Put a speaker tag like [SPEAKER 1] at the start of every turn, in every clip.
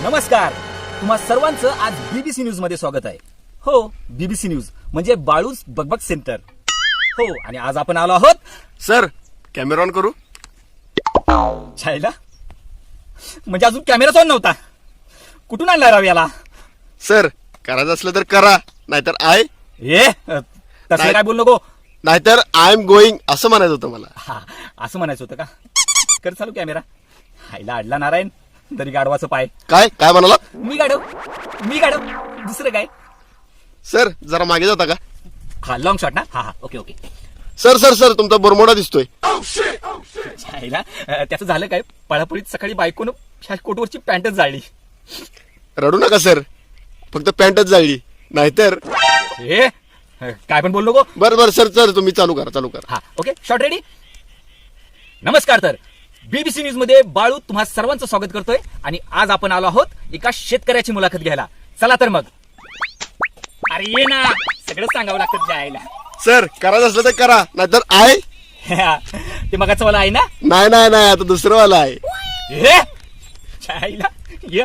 [SPEAKER 1] नमस्कार, तुम्हा सर्वांचं आज बीबीसी न्यूज मध्ये स्वागत आहे. हो, बीबीसी न्यूज म्हणजे बाळूज बकबक सेंटर. हो, आणि आज आपण आलो आहोत.
[SPEAKER 2] सर, कॅमेरा ऑन करू?
[SPEAKER 1] छायला म्हणजे अजून कॅमेराच ऑन नव्हता. कुठून आणला राव याला?
[SPEAKER 2] सर, करायचं असलं तर करा, नाहीतर तसं
[SPEAKER 1] काय बोल नको.
[SPEAKER 2] नाहीतर आय एम गोईंग असं म्हणायचं होतं मला.
[SPEAKER 1] हा, असं म्हणायचं होतं का? कर चालू कॅमेरा. हायला अडला नारायण, तरी गाडवाचं पाय.
[SPEAKER 2] काय काय म्हणाला?
[SPEAKER 1] मी गाडव दुसरं काय?
[SPEAKER 2] सर, जरा मागे जाता का?
[SPEAKER 1] हा, लॉंग शॉट ना. हा, ओके.
[SPEAKER 2] सर सर सर, तुमचा बरमोडा दिसतोय.
[SPEAKER 1] छायला त्याचं झालं काय? पळापळीत सकाळी बायकोनं ह्या कोटवरची पॅन्टच जाळली.
[SPEAKER 2] रडू नका सर, फक्त पॅन्टच जाळली, नाहीतर.
[SPEAKER 1] काय पण बोल नको.
[SPEAKER 2] बरं सर सर, तुम्ही चालू करा.
[SPEAKER 1] हा, ओके. Shot ready. नमस्कार. तर बीबीसी न्यूज मध्ये बाळू तुम्हा सर्वांचं स्वागत करतोय. आणि आज आपण आलो आहोत एका शेतकऱ्याची मुलाखत घ्यायला. चला तर मग. अरे ये ना, सगळं सांगावं लागतं जायला.
[SPEAKER 2] सर, करायचं असलं तर करा, नाहीतर
[SPEAKER 1] ते मगाचं वाला आहे ना?
[SPEAKER 2] नाही, आता दुसरं वाला आहे.
[SPEAKER 1] जायला ये.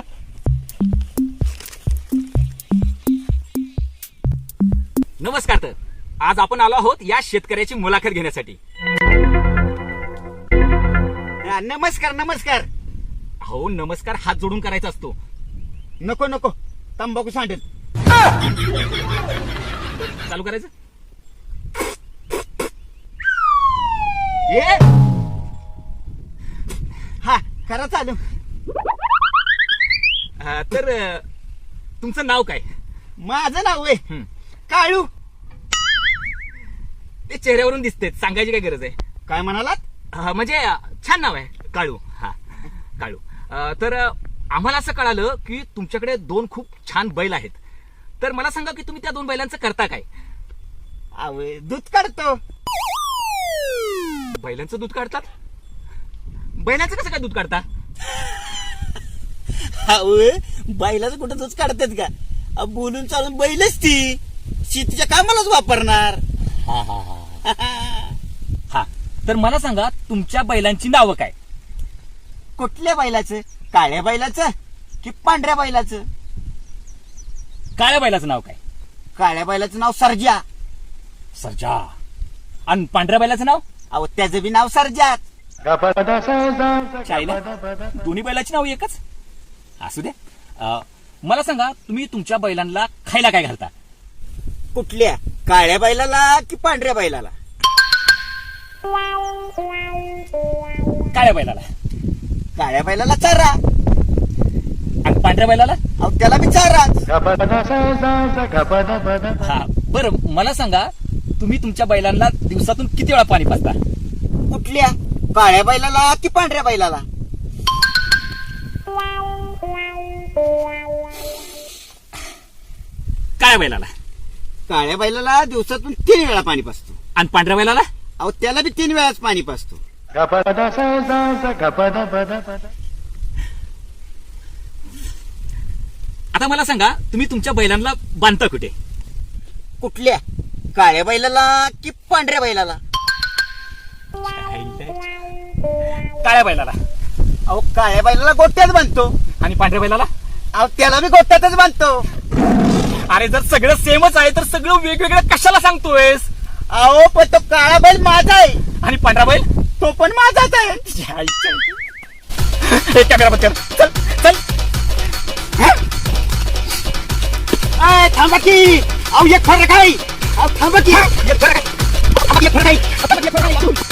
[SPEAKER 1] नमस्कार. तर आज आपण आलो आहोत या शेतकऱ्याची मुलाखत घेण्यासाठी.
[SPEAKER 3] नमस्कार.
[SPEAKER 1] हो, नमस्कार हात जोडून करायचा असतो.
[SPEAKER 3] नको तंबाखू सांडेल.
[SPEAKER 1] चालू करायचं.
[SPEAKER 3] हा, करा चालू.
[SPEAKER 1] तर तुमचं नाव काय?
[SPEAKER 3] माझं नाव आहे काळू.
[SPEAKER 1] ते चेहऱ्यावरून दिसते, सांगायची काय गरज आहे?
[SPEAKER 3] काय म्हणालात?
[SPEAKER 1] म्हणजे छान नाव आहे काळू. हा, काळू. तर आम्हाला असं कळालं की तुमच्याकडे 2 खूप छान बैल आहेत. तर मला सांगा की तुम्ही त्या 2 बैलांचं करता काय?
[SPEAKER 3] दूध काढतो.
[SPEAKER 1] बैलांचं दूध काढतात? बैलांचं कसं काय दूध काढता?
[SPEAKER 3] बैलाचं कुठं दूध काढतात का? बोलून चालून बैलच ती शेतीच्या कामालाच वापरणार.
[SPEAKER 1] हा, तर मला सांगा तुमच्या बैलांची नावं काय?
[SPEAKER 3] कुठल्या बैलाचं? काळ्या बैलाचं की पांढऱ्या बैलाचं?
[SPEAKER 1] काळ्या बैलाचं नाव काय?
[SPEAKER 3] काळ्या बैलाचं नाव सर्जा.
[SPEAKER 1] सर्जा. आणि पांढऱ्या बैलाचं नाव?
[SPEAKER 3] त्याचं बी नाव सर्जाच.
[SPEAKER 1] चायला दोन्ही बैलाची नाव एकच? असू द्या. मला सांगा तुम्ही तुमच्या बैलांना खायला काय घालता?
[SPEAKER 3] कुठल्या? काळ्या बैलाला की पांढऱ्या बैलाला?
[SPEAKER 1] काळ्या बैलाला.
[SPEAKER 3] काळ्या बैलाला चारा.
[SPEAKER 1] आणि पांढऱ्या बैलाला?
[SPEAKER 3] त्याला बी चाराच.
[SPEAKER 1] हा, बरं मला सांगा तुम्ही तुमच्या बैलांना दिवसातून किती वेळा पाणी पाजता?
[SPEAKER 3] कुठल्या? काळ्या बैलाला की पांढऱ्या बैलाला?
[SPEAKER 1] काळ्या बैलाला.
[SPEAKER 3] काळ्या बैलाला दिवसातून 3 वेळा पाणी पाजतो.
[SPEAKER 1] आणि पांढऱ्या बैलाला?
[SPEAKER 3] त्याला बी 3 वेळाच पाणी पाजतो.
[SPEAKER 1] आता मला सांगा तुम्ही तुमच्या बैलांना बांधता कुठे?
[SPEAKER 3] कुठल्या? काळ्या बैलाला की पांढऱ्या बैलाला?
[SPEAKER 1] काळ्या बैलाला.
[SPEAKER 3] काळ्या बैलाला गोट्यात बांधतो.
[SPEAKER 1] आणि पांढऱ्या बैलाला?
[SPEAKER 3] त्याला बी गोट्यातच बांधतो.
[SPEAKER 1] अरे जर सगळं सेमच आहे तर सगळं वेगवेगळं कशाला सांगतोयस?
[SPEAKER 3] पण तो काळा बैल माझा आहे.
[SPEAKER 1] आणि पांढरा बैल?
[SPEAKER 3] तो पण माझाच आहे.
[SPEAKER 1] कॅमेरा बंद कर. चल.
[SPEAKER 3] थांबा की. एक फरक आहे. थांबा की. एक फरक आहे.